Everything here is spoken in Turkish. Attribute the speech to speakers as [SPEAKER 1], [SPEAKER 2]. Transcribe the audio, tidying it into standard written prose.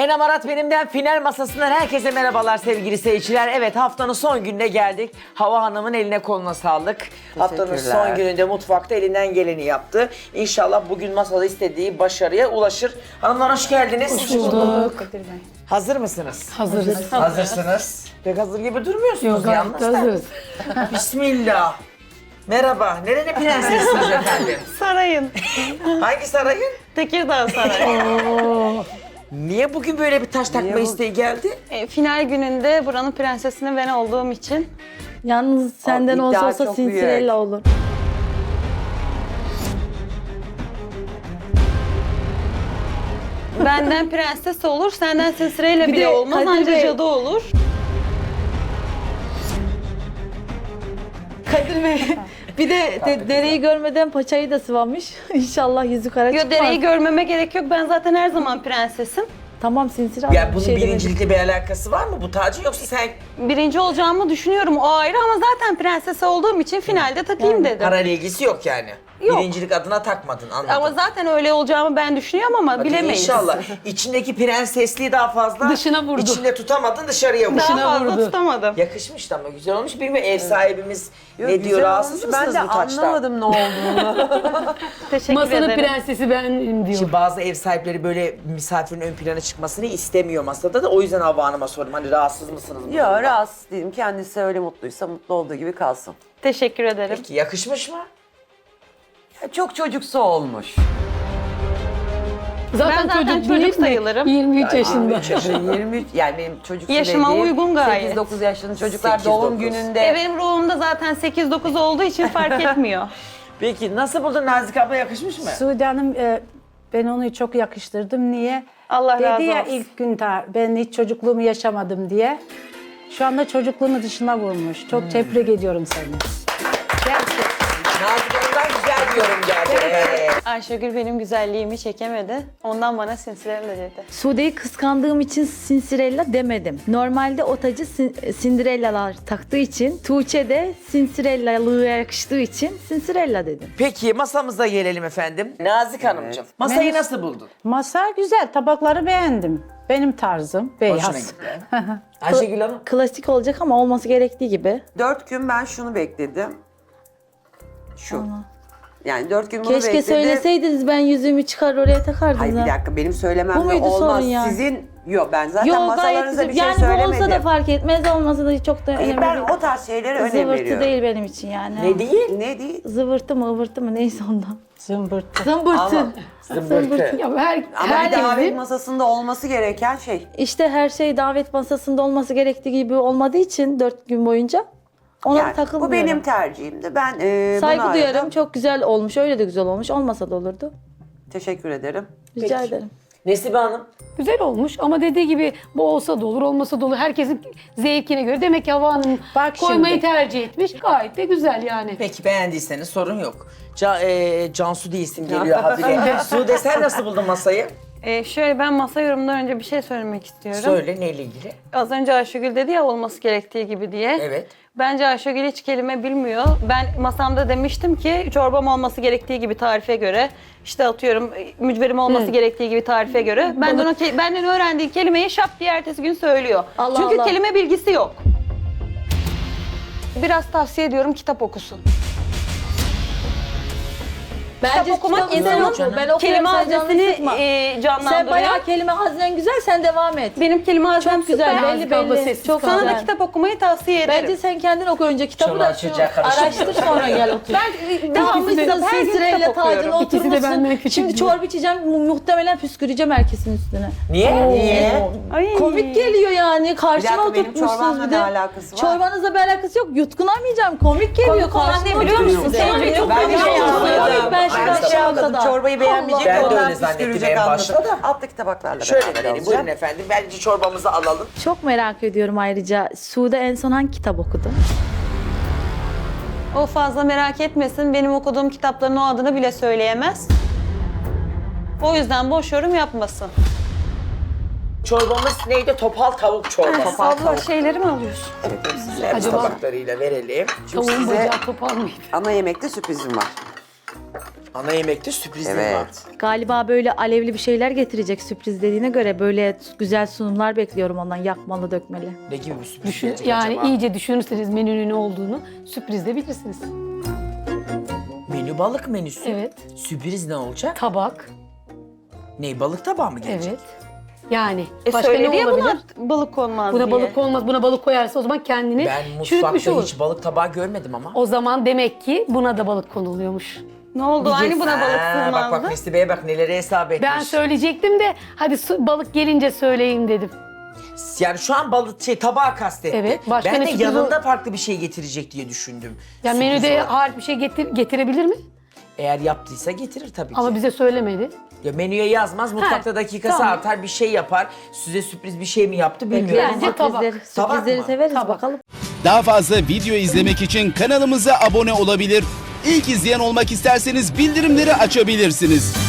[SPEAKER 1] Sanem Arat benimden final masasından herkese merhabalar sevgili seyirciler. Evet haftanın son gününe geldik. Hava Hanım'ın eline koluna sağlık. Haftanın son gününde mutfakta elinden geleni yaptı. İnşallah bugün masada istediği başarıya ulaşır. Hanımlar hoş geldiniz.
[SPEAKER 2] Hoş bulduk.
[SPEAKER 1] Hazır mısınız?
[SPEAKER 2] Hazırız.
[SPEAKER 1] Hazırsınız. Pek hazır gibi durmuyorsunuz
[SPEAKER 2] Yok, gayet
[SPEAKER 1] yalnız da.
[SPEAKER 2] hazırız.
[SPEAKER 1] Bismillah. Merhaba. Nerenin prensesiniz efendim?
[SPEAKER 3] Sarayın.
[SPEAKER 1] Hangi sarayın?
[SPEAKER 3] Tekirdağ Sarayı.
[SPEAKER 1] Niye bugün böyle bir taş takma isteği geldi?
[SPEAKER 3] Final gününde buranın prensesini ben olduğum için.
[SPEAKER 4] Yalnız senden
[SPEAKER 5] O
[SPEAKER 4] olsa
[SPEAKER 5] iddia
[SPEAKER 4] olsa
[SPEAKER 5] çok
[SPEAKER 4] Cinderella olur.
[SPEAKER 3] Benden prenses olur, senden Sesre'yle
[SPEAKER 4] Bir
[SPEAKER 3] bile
[SPEAKER 4] de
[SPEAKER 3] olmaz,
[SPEAKER 4] Kadir
[SPEAKER 3] anca
[SPEAKER 4] Bey-
[SPEAKER 3] cadı olur.
[SPEAKER 4] Kadir Bey bir de dereyi görmeden paçayı da sıvamış. İnşallah yüzü kara
[SPEAKER 3] Yo,
[SPEAKER 4] çıkmaz.
[SPEAKER 3] dereyi görmeme gerek yok, ben zaten her zaman prensesim.
[SPEAKER 4] Tamam Sinsir abla
[SPEAKER 1] Ya
[SPEAKER 4] bir
[SPEAKER 1] bunun
[SPEAKER 4] şey demedim.
[SPEAKER 1] birincilikle bir alakası var mı bu tacın yoksa sen
[SPEAKER 3] Birinci olacağımı düşünüyorum, o ayrı, ama zaten prenses olduğum için finalde takayım dedim.
[SPEAKER 1] parayla ilgisi yok yani?
[SPEAKER 3] Yok.
[SPEAKER 1] Birincilik adına takmadın anladım.
[SPEAKER 3] Ama zaten öyle olacağımı ben düşünüyorum ama
[SPEAKER 1] Hadi
[SPEAKER 3] bilemeyiz.
[SPEAKER 1] İnşallah. İçindeki prensesliği daha fazla
[SPEAKER 2] Dışına vurdu.
[SPEAKER 1] İçinde tutamadın dışarıya vurdu.
[SPEAKER 3] Daha
[SPEAKER 2] Dışına
[SPEAKER 3] fazla
[SPEAKER 2] vurdu.
[SPEAKER 3] tutamadım.
[SPEAKER 1] Yakışmış da ama güzel olmuş. Bilmiyorum ev sahibimiz
[SPEAKER 5] Yok,
[SPEAKER 1] ne
[SPEAKER 5] güzel
[SPEAKER 1] diyor rahatsız
[SPEAKER 5] olmuş.
[SPEAKER 1] mısınız
[SPEAKER 5] Ben de
[SPEAKER 1] bu taçtan?
[SPEAKER 5] anlamadım ne olduğunu.
[SPEAKER 3] Teşekkür
[SPEAKER 2] Masanın
[SPEAKER 3] ederim.
[SPEAKER 2] prensesi benim diyor.
[SPEAKER 1] Şimdi bazı ev sahipleri böyle misafirin ön plana çıkmasını istemiyor masada da o yüzden Havva Hanım'a sordum. Hani rahatsız mısınız? bu
[SPEAKER 5] Yok
[SPEAKER 1] durumdan?
[SPEAKER 5] rahatsız değilim. Kendisi öyle mutluysa mutlu olduğu gibi kalsın.
[SPEAKER 3] Teşekkür ederim.
[SPEAKER 1] Peki yakışmış mı?
[SPEAKER 5] Ya çok çocuksu olmuş.
[SPEAKER 3] Ben zaten
[SPEAKER 2] değil
[SPEAKER 3] çocuk
[SPEAKER 2] mi?
[SPEAKER 3] sayılırım.
[SPEAKER 2] 23 yaşında.
[SPEAKER 5] 23 yani benim çocuksu
[SPEAKER 3] Yaşıma
[SPEAKER 5] dediğim
[SPEAKER 3] uygun gayet.
[SPEAKER 5] 8-9 yaşında çocuklar
[SPEAKER 1] 8-9.
[SPEAKER 5] doğum gününde.
[SPEAKER 3] Benim ruhumda zaten 8-9 olduğu için fark etmiyor.
[SPEAKER 1] Peki nasıl buldun Nazik abla yakışmış mı?
[SPEAKER 6] Suudi Hanım ben onu çok yakıştırdım. Niye?
[SPEAKER 3] Allah razı
[SPEAKER 6] Dedi ya
[SPEAKER 3] olsun.
[SPEAKER 6] ilk gün ben hiç çocukluğumu yaşamadım diye. Şu anda çocukluğunu dışına vurmuş. Çok tebrik ediyorum seni. Gerçekten.
[SPEAKER 1] Nazik Hanım'dan güzel bir yorum geldi. Evet.
[SPEAKER 3] Ayşegül benim güzelliğimi çekemedi. Ondan bana Cinderella dedi.
[SPEAKER 4] Sude'yi kıskandığım için Cinderella demedim. Normalde o tacı Cinderella'lar taktığı için, Tuğçe de Cinderella'lığı yakıştığı için Cinderella dedim.
[SPEAKER 1] Peki masamıza gelelim efendim. Nazik Hanımcığım masayı nasıl buldun?
[SPEAKER 6] Masa güzel. Tabakları beğendim. Benim tarzım.
[SPEAKER 1] Hoşuna
[SPEAKER 6] Beyaz.
[SPEAKER 1] gitti. Ayşegül Hanım.
[SPEAKER 4] Klasik olacak ama olması gerektiği gibi.
[SPEAKER 5] 4 gün ben şunu bekledim. Şu. Yani 4 gün bunu
[SPEAKER 4] Keşke
[SPEAKER 5] bekledim.
[SPEAKER 4] söyleseydiniz ben yüzüğümü çıkar oraya takardım.
[SPEAKER 5] Hayır bir
[SPEAKER 4] ha.
[SPEAKER 5] dakika benim
[SPEAKER 4] Bu
[SPEAKER 5] söylememle
[SPEAKER 4] muydu
[SPEAKER 5] olmaz.
[SPEAKER 4] sorun yani?
[SPEAKER 5] Sizin yok ben zaten
[SPEAKER 4] Yok gayet
[SPEAKER 5] masalarınıza
[SPEAKER 4] güzel.
[SPEAKER 5] bir şey
[SPEAKER 4] Yani bu
[SPEAKER 5] söylemedim.
[SPEAKER 4] olsa da fark etmez, olmasa da çok da önemli
[SPEAKER 5] Ben
[SPEAKER 4] değil.
[SPEAKER 5] o tarz şeylere önem
[SPEAKER 4] Zıvırtı
[SPEAKER 5] veriyorum.
[SPEAKER 4] değil benim için yani.
[SPEAKER 1] Ne değil?
[SPEAKER 5] Ne değil?
[SPEAKER 4] Zıvırtı mı ıvırtı mı neyse ondan.
[SPEAKER 6] Zımbırtı.
[SPEAKER 4] Zımbırtı.
[SPEAKER 5] Ama-
[SPEAKER 1] Zımbırtı.
[SPEAKER 2] Ya
[SPEAKER 5] Ama bir davet
[SPEAKER 2] herkesin
[SPEAKER 5] masasında olması gereken şey.
[SPEAKER 4] İşte her şey davet masasında olması gerektiği gibi olmadığı için 4 gün boyunca ona
[SPEAKER 5] Yani bu
[SPEAKER 4] takılmıyorum.
[SPEAKER 5] benim tercihimdi. Ben
[SPEAKER 4] Saygı
[SPEAKER 5] bunu
[SPEAKER 4] duyarım.
[SPEAKER 5] aradım.
[SPEAKER 4] Çok güzel olmuş. Öyle de güzel olmuş. Olmasa da olurdu.
[SPEAKER 5] Teşekkür ederim.
[SPEAKER 4] Rica
[SPEAKER 1] Peki.
[SPEAKER 4] ederim.
[SPEAKER 1] Nesibe Hanım.
[SPEAKER 2] güzel olmuş ama dediği gibi bu olsa da olur, olmasa da olur. Herkesin zevkine göre. Demek ki Havva Hanım
[SPEAKER 6] Bak
[SPEAKER 2] koymayı
[SPEAKER 6] şimdi.
[SPEAKER 2] tercih etmiş. Gayet de güzel yani.
[SPEAKER 1] Peki beğendiyseniz sorun yok. Cansu diye isim geliyor habire. Sude sen nasıl buldun masayı?
[SPEAKER 3] Şöyle ben masa yorumundan önce bir şey söylemek istiyorum.
[SPEAKER 1] Söyle neyle ilgili?
[SPEAKER 3] Az önce Ayşegül dedi ya olması gerektiği gibi diye.
[SPEAKER 1] Evet.
[SPEAKER 3] Bence Ayşegül hiç kelime bilmiyor. Ben masamda demiştim ki çorbam olması gerektiği gibi tarife göre, işte atıyorum mücverim olması gerektiği gibi tarife göre. Benden öğrendiği kelimeyi şap diye ertesi gün söylüyor.
[SPEAKER 4] Allah
[SPEAKER 3] Çünkü
[SPEAKER 4] Allah.
[SPEAKER 3] kelime bilgisi yok. Biraz tavsiye ediyorum, kitap okusun.
[SPEAKER 4] Bence
[SPEAKER 3] okumak
[SPEAKER 4] kitabı
[SPEAKER 3] insanın
[SPEAKER 4] sen oku. Ben okuyorum,
[SPEAKER 3] kelime
[SPEAKER 4] sen canını
[SPEAKER 3] haznesini
[SPEAKER 4] sıkma. Sen
[SPEAKER 3] canlandırıyor.
[SPEAKER 4] bayağı kelime haznen güzel. Sen devam et.
[SPEAKER 3] Benim kelime haznem
[SPEAKER 4] Çok güzel.
[SPEAKER 3] süper.
[SPEAKER 4] Belli
[SPEAKER 2] Nazik abla
[SPEAKER 4] belli.
[SPEAKER 2] sessiz
[SPEAKER 4] Çok
[SPEAKER 2] kal.
[SPEAKER 3] Sana da
[SPEAKER 4] güzel.
[SPEAKER 3] kitap okumayı tavsiye ederim.
[SPEAKER 4] Bence sen kendin oku önce kitabı
[SPEAKER 1] Çoluğa
[SPEAKER 4] da şu
[SPEAKER 1] çocuğa karıştırma.
[SPEAKER 4] araştır sonra gel otur.
[SPEAKER 3] devamlı
[SPEAKER 4] İkisi de
[SPEAKER 3] kitap, her gün
[SPEAKER 4] Cinderella
[SPEAKER 3] kitap okuyorum.
[SPEAKER 4] tacına
[SPEAKER 2] İkisi de benden
[SPEAKER 4] oturmuşsun.
[SPEAKER 2] küçük
[SPEAKER 4] Şimdi
[SPEAKER 2] diyor.
[SPEAKER 4] çorba içeceğim. Muhtemelen püsküreceğim herkesin üstüne.
[SPEAKER 1] Niye? Niye?
[SPEAKER 3] Ay.
[SPEAKER 4] Komik geliyor yani. Karşıma
[SPEAKER 5] Bir dakika, benim
[SPEAKER 4] oturtmuşsunuz
[SPEAKER 5] çorbamla
[SPEAKER 4] bir de.
[SPEAKER 5] ne alakası var?
[SPEAKER 4] Çorbanızla bir alakası yok. Yutkunamayacağım. Komik geliyor.
[SPEAKER 3] Komik olan
[SPEAKER 4] Karşıma
[SPEAKER 3] ne biliyor musun?
[SPEAKER 4] oturtmuşsunuz.
[SPEAKER 3] Sevgili çok
[SPEAKER 5] Ben
[SPEAKER 3] komik
[SPEAKER 5] bir şey
[SPEAKER 3] ya.
[SPEAKER 5] anladım.
[SPEAKER 4] Ben şu
[SPEAKER 5] Ben
[SPEAKER 4] an
[SPEAKER 5] şey
[SPEAKER 4] şu
[SPEAKER 5] anladım.
[SPEAKER 4] anda.
[SPEAKER 5] Çorbayı beğenmeyecek.
[SPEAKER 1] Ben de
[SPEAKER 5] ondan
[SPEAKER 1] öyle zannettim
[SPEAKER 5] püskürecek
[SPEAKER 1] en
[SPEAKER 5] anladım.
[SPEAKER 1] başta da.
[SPEAKER 5] Alttaki tabaklarla
[SPEAKER 1] Şöyle
[SPEAKER 5] beraber
[SPEAKER 1] verelim.
[SPEAKER 5] alacağım.
[SPEAKER 1] Buyurun efendim. Bence çorbamızı alalım.
[SPEAKER 4] Çok merak ediyorum ayrıca. Sude en son hangi kitap okudu?
[SPEAKER 3] O fazla merak etmesin. Benim okuduğum kitapların o adını bile söyleyemez. O yüzden boş yorum yapmasın.
[SPEAKER 1] Çorbamız neydi? Topal tavuk çorbası.
[SPEAKER 3] Abla şeyleri mi alıyorsun?
[SPEAKER 1] Servis
[SPEAKER 2] Acaba-
[SPEAKER 1] tabaklarıyla verelim.
[SPEAKER 2] Tavuğun
[SPEAKER 5] size-
[SPEAKER 2] bacağı topal mıydı?
[SPEAKER 5] Ana yemekte sürprizim var.
[SPEAKER 1] Ana yemekte sürprizleri var.
[SPEAKER 5] Evet.
[SPEAKER 4] Galiba böyle alevli bir şeyler getirecek sürpriz dediğine göre böyle güzel sunumlar bekliyorum ondan yakmalı dökmeli.
[SPEAKER 1] Ne gibi bir sürpriz
[SPEAKER 2] Düşün,
[SPEAKER 1] gelecek
[SPEAKER 2] yani
[SPEAKER 1] acaba?
[SPEAKER 2] iyice düşünürseniz menünün ne olduğunu sürprizde bilirsiniz.
[SPEAKER 1] Menü balık menüsü.
[SPEAKER 2] Evet.
[SPEAKER 1] Sürpriz ne olacak?
[SPEAKER 2] Tabak.
[SPEAKER 1] Ne, balık tabağı mı gelecek?
[SPEAKER 2] Evet. Yani başka
[SPEAKER 3] Söyledi
[SPEAKER 2] ne
[SPEAKER 3] ya
[SPEAKER 2] olabilir?
[SPEAKER 3] buna balık konmaz
[SPEAKER 2] Buna
[SPEAKER 3] diye.
[SPEAKER 2] balık konmaz. Buna balık koyarsa o zaman kendini
[SPEAKER 1] Ben
[SPEAKER 2] çürütmüş
[SPEAKER 1] mutfakta
[SPEAKER 2] olur.
[SPEAKER 1] hiç balık tabağı görmedim ama.
[SPEAKER 2] O zaman demek ki buna da balık konuluyormuş.
[SPEAKER 3] Ne oldu? Aynı buna balık
[SPEAKER 1] Ha, bak
[SPEAKER 3] sığmazdı.
[SPEAKER 1] Mesli Bey'e bak neleri hesap etmiş.
[SPEAKER 2] Ben söyleyecektim de hadi balık gelince söyleyeyim dedim.
[SPEAKER 1] Yani şu an balık tabağı kastetti.
[SPEAKER 2] Evet, başka
[SPEAKER 1] ben
[SPEAKER 2] ne
[SPEAKER 1] de
[SPEAKER 2] sürpriz
[SPEAKER 1] yanında farklı bir şey getirecek diye düşündüm.
[SPEAKER 2] Yani
[SPEAKER 1] Sürpriz
[SPEAKER 2] menüde
[SPEAKER 1] olarak.
[SPEAKER 2] harika bir şey getirebilir mi?
[SPEAKER 1] Eğer yaptıysa getirir tabii ki.
[SPEAKER 2] Ama bize söylemedi.
[SPEAKER 1] Ya menüye yazmaz, mutfakta dakikası
[SPEAKER 2] tamam.
[SPEAKER 1] artar, bir şey yapar. Size sürpriz bir şey mi yaptı bilmiyorum
[SPEAKER 2] Bence
[SPEAKER 1] ama.
[SPEAKER 2] tabak.
[SPEAKER 1] Tabak
[SPEAKER 4] Sürprizleri
[SPEAKER 1] mı?
[SPEAKER 4] severiz
[SPEAKER 2] Tabak.
[SPEAKER 4] bakalım.
[SPEAKER 7] Daha fazla video izlemek için kanalımıza abone olabilir. İlk izleyen olmak isterseniz bildirimleri açabilirsiniz.